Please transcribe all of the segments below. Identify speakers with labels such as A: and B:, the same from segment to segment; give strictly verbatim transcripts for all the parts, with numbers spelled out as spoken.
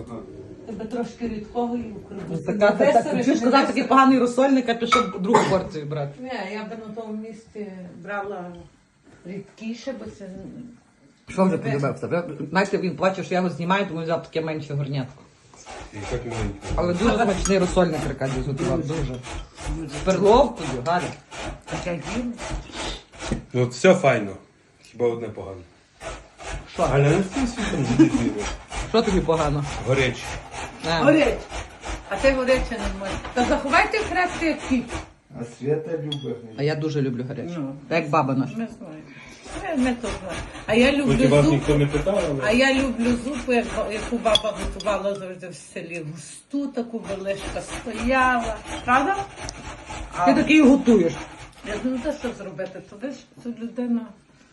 A: Тебе трошки рідкого і укрутити.
B: Така, та, та, чуєш, казав, такий поганий розсольник, а пішов другу порцію брати.
A: Ні, я би на тому місці брала рідкіше, бо це...
B: Що вже подивився? Знаєте, він плаче, що я його знімаю, тому взяв таке менше горнятко.
C: І так маленько.
B: Але дуже смачний розсольник Аркадій зготував, дуже. З перловкою, Галя.
A: Хоча їм.
C: Ну от все файно. Хіба одне погано.
B: Що?
C: Галя, не встиг світом дідвіру.
B: Що тобі погано?
C: Горечі.
B: А.
A: Горить. А ти горяче не можеш. Та заховайте крепкий як кіт.
D: А Свята любить.
B: А я дуже люблю гаряче.
A: Ну.
B: Так як баба наша.
A: Ми знаємо. Ми, ми то знаємо. А я
C: Хоч і
A: люблю
C: вас
A: зупу.
C: ніхто не питав,
A: А
C: але...
A: я люблю зупу, як- яку баба готувала завжди в селі. Густу таку величка стояла. Правда?
B: Ти такий готуєш.
A: Я думаю, та що зробити? То ви ж тут людина.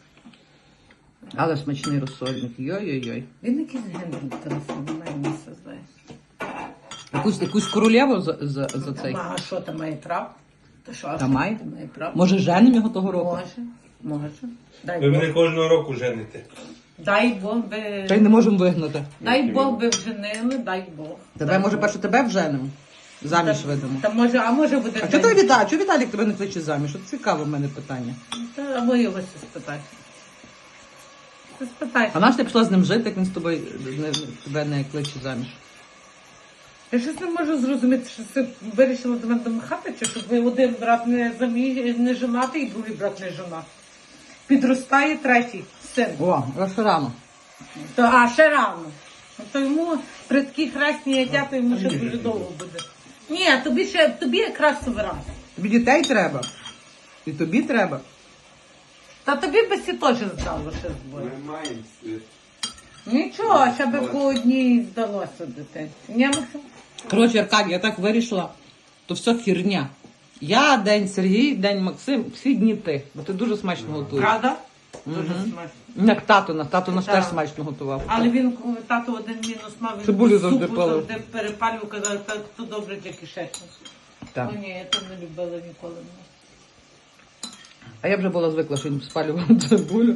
B: Але смачний розсольник. Йой-йой-йой.
A: Він якийсь гендер телефон, немає місця, знаєш.
B: Якусь, якусь королеву за, за, за цей.
A: А що там має прав? Та що, а
B: Та
A: що
B: має?
A: ти має прав?
B: Може, женим його того року?
A: Може, може. Дай
C: Ви
A: Бог.
C: мене кожного року жените.
A: Дай Бог би...
B: Та й не можемо вигнати.
A: Дай Бог би вженили, дай Бог.
B: Тебе,
A: Дай
B: може,
A: Бог.
B: перше тебе вженимо? Заміж видамо.
A: Та може, а може буде...
B: А чого той Віталій? Чого Віталік тебе не кличе заміж? От цікаве в мене питання.
A: Та, або його це спитати. Ти спитай.
B: А наш ти пішла з ним жити, як він з тобою не, тебе не кличе заміж?
A: Я щось не можу зрозуміти, що ти вирішила до мене домахати, чи щоб ви один брат не заміж, не женатий, і другий брат не жена. Підростає третій син.
B: О, ще рано.
A: То, а ще рано. То йому при такій хресні яття, то йому ще дуже довго буде. Ні, тобі ще тобі якраз суверен.
B: Тобі дітей треба. І тобі треба.
A: Та тобі би сі теж здало ще збою.
D: Ми маємо світ.
A: Нічого, ще би по одній здалося дитинці. Ні, Максим?
B: Коротше, Аркадій, я так вирішила, то все херня. Я, день Сергій, день Максим, всі дні ти. Бо ти дуже смачно готуєш.
A: Правда? Дуже смачно.
B: Як тато наш, тато наш
A: Так.
B: теж смачно готував.
A: Але він, коли тато один мінус мав, він
B: Цибулю
A: супу
B: завжди палив.
A: завжди перепалював, казав, так то добре для кишечника.
B: Так.
A: Ну ні, я там не любила ніколи.
B: А я вже була звикла, що він спалював цибулю.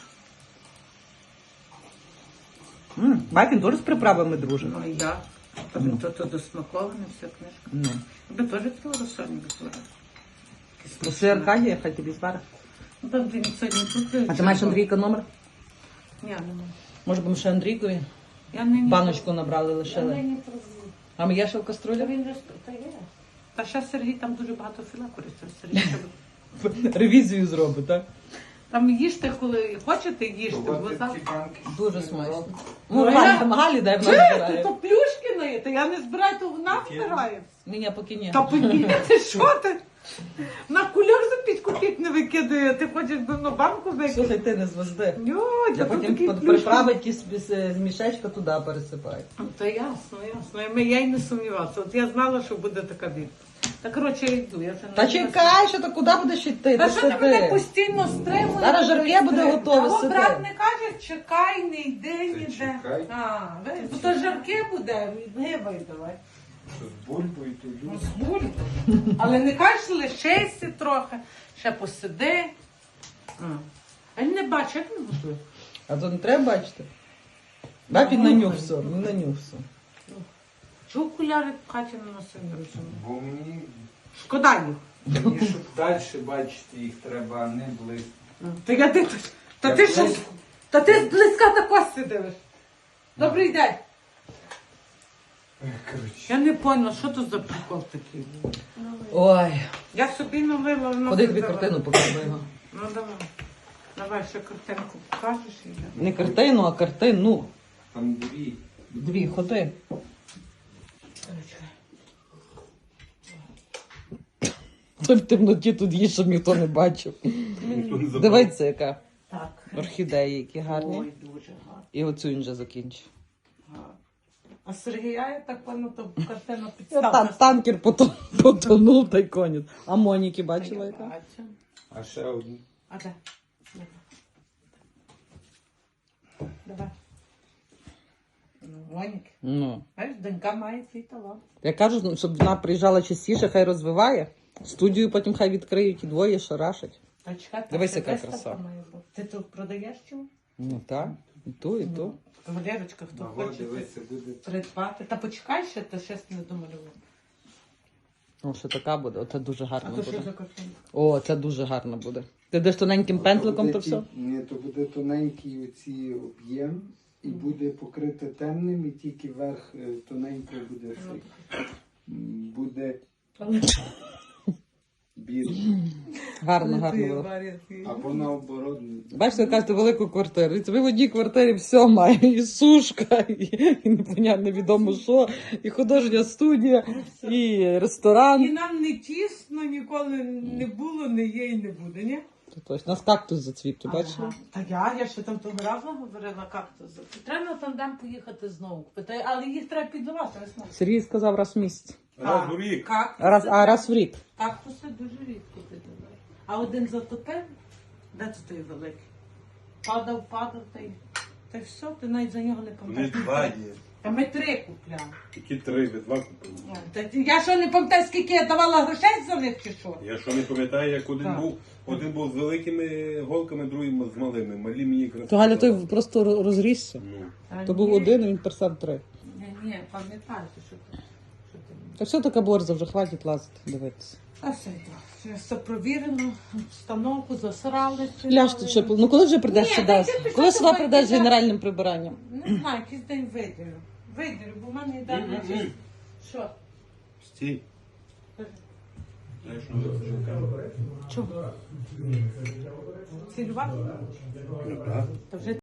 B: М, Бать, він теж з приправами дружить.
A: Ну і я.
B: Ну.
A: То, то досмаковане вся книжка.
B: Ну.
A: Я би теж цього розсольника збирати.
B: Проси Аркадія, хай тобі збере.
A: Ну там він сьогодні тут.
B: А ти маєш Андрійка номер?
A: Ні, немає.
B: Може, б ми ще Андрійкові
A: Я не
B: баночку набрали,
A: Я
B: лишили.
A: не пробую.
B: А ми є ще в
A: Та
B: каструлі?
A: він же та є. Та ще Сергій там дуже багато філа користує. Сергій ще-
B: Ревізію зробить, так?
A: Там їжте, коли хочете, їжте. бо
D: Бувати
A: завтра-
D: ці банки.
B: Дуже смачно.
A: Ну,
B: Ну,
A: я-
B: Галі, там Галі, дай в нас
A: Чи?
B: збирає.
A: То плюшки наїти, я не збираю, то вона збирає.
B: Ні, поки ні.
A: Та подіяти, що ти? На кульок за п'ять копійок не викидає, ти хочеш би на банку викидати.
B: Слухай, ти не звезди.
A: Йо,
B: Я
A: та
B: потім
A: такі
B: под-
A: плюшки.
B: приправить ті з, з, з мішечка туди пересипаю.
A: Ну, то ясно, ясно. Я, я й не сумнівалася. От я знала, що буде така відповідь. Та коротше, я йду. Я вже
B: Та
A: не-
B: чекай, що ти куди будеш йти?
A: Та
B: Ти
A: що ти мене
B: сиди.
A: постійно стримуєш?
B: Зараз жарке буде готове,
A: Того
B: сиди.
A: брат не каже, чекай, не йди ніде.
D: чекай.
A: А, ви- бо то жарке буде, гибай давай.
D: Що з бульбою, то
A: Ну,
D: люблю.
A: з бульбою. Але не кажеш, лишися трохи, ще посиди. А, а він не бачить, як не готує.
B: А то не треба бачити. Бабі
A: Ну,
B: нанюхся, не нанюхся.
A: Чого окуляри в хаті не носив, не розумію.
D: Бо мені,
A: Шкода їх.
D: мені, щоб далі бачити їх треба, а не близько.
A: Та я ти, та
D: Я
A: ти що?
D: близько.
A: Та ти близька тако сидиш. Добрий день.
D: Ех, коротше.
A: Я не поняла, що то за прикол такий.
B: Ой,
A: Я собі налила, воно
B: ходи тобі
A: казала.
B: картину покажи його.
A: Ну давай. Давай ще картинку покажеш і я.
B: Не картину, а картину.
D: Там дві.
B: Дві, ходи. Ти в темноті тут є, щоб ніхто не бачив.
C: Ніхто не забрав.
B: Дивіться, яка
A: Так.
B: орхідеї, які гарні.
A: Ой, дуже гарно.
B: І оцю він вже закінчив.
A: гарно. А Сергія, я так поняла, то картина
B: Та,
A: підставка.
B: танкер потон- потонув та й конець. А Моніки бачила яка?
A: Бачу.
D: А ще одну.
A: А де? Давай. Ну, Моніки.
B: Ну.
A: Знаєш, донька має свій талант.
B: Я кажу, щоб вона приїжджала частіше, хай розвиває. Студію потім хай відкриють і двоє шарашать.
A: Та чекай,
B: Дивись,
A: там
B: яка
A: ще
B: краса.
A: виставка має бути. Ти тут продаєш чому?
B: Ну так. І ту, і ту.
A: Валерочка, хто
D: Ого,
A: хоче
D: дивися, буде.
A: придбати. Та почекай ще, то ще не домалював.
B: О, що така буде, оце дуже
A: А
B: гарно
A: то що
B: буде.
A: за картинка?
B: О, це дуже гарно буде. Ти деш тоненьким пензликом,
D: буде
B: то все?
D: ті- Ні, то буде тоненький оці об'єм і буде покрите темним, і тільки верх е, тоненько буде цей. М, Буде білий.
B: Гарно, гарно буде.
D: Або наоборот.
B: Бачите, ви кажете, велику квартиру. І ви в одній квартирі все має. І сушка, і, і непонятно невідомо що, і художня студія, і
A: І
B: ресторан.
A: нам не тісно ніколи не було, не є і не буде, ні?
B: То точно. У нас кактус зацвів, ти бачила?
A: Ага. Та я, я ще там того разу говорила кактус. Треба на тандем поїхати знову. Питаю, але їх треба піддавати, я знаю.
B: Сергій сказав раз в місяць.
C: Раз у рік.
A: Кактуси,
B: Раз, а раз в рік.
A: кактуси дуже рідко піддають. А один затопив, де це той великий? Падав, падав, та й, та й все, ти навіть за нього не
C: Вони
A: пам'ятаєш.
C: два є.
A: Та ми три купляли.
C: Які три, ви два купили.
A: О, та ти- я що не пам'ятаю, скільки я давала грошей за них чи що?
C: Я що не пам'ятаю, як один
A: Так.
C: був, один був з великими голками, другий з малими. Малі мені якраз.
B: То Галя той
C: сказали.
B: просто ро- розрісся.
C: Ну.
A: Та
B: То
A: ні.
B: був один, а він персав три.
A: Ні, ні, пам'ятаєте, що ти. Що ти.
B: Та все така борза, вже хватить лазити, дивитися.
A: А все йде. Вже все провірено, установку засрали.
B: Ляж ти ще, ну коли вже прийдеш
A: Ні,
B: сюди?
A: та йди ти
B: Коли
A: що
B: сюди
A: ти
B: прийдеш з
A: йдеш?
B: генеральним прибиранням?
A: Не знаю, якийсь день виділю. Виділю, бо в мене йде на чис. Що?
C: Стій. Знаєш, ну, це
A: Чого? Цілювати?
C: Ну, так.
A: Та вже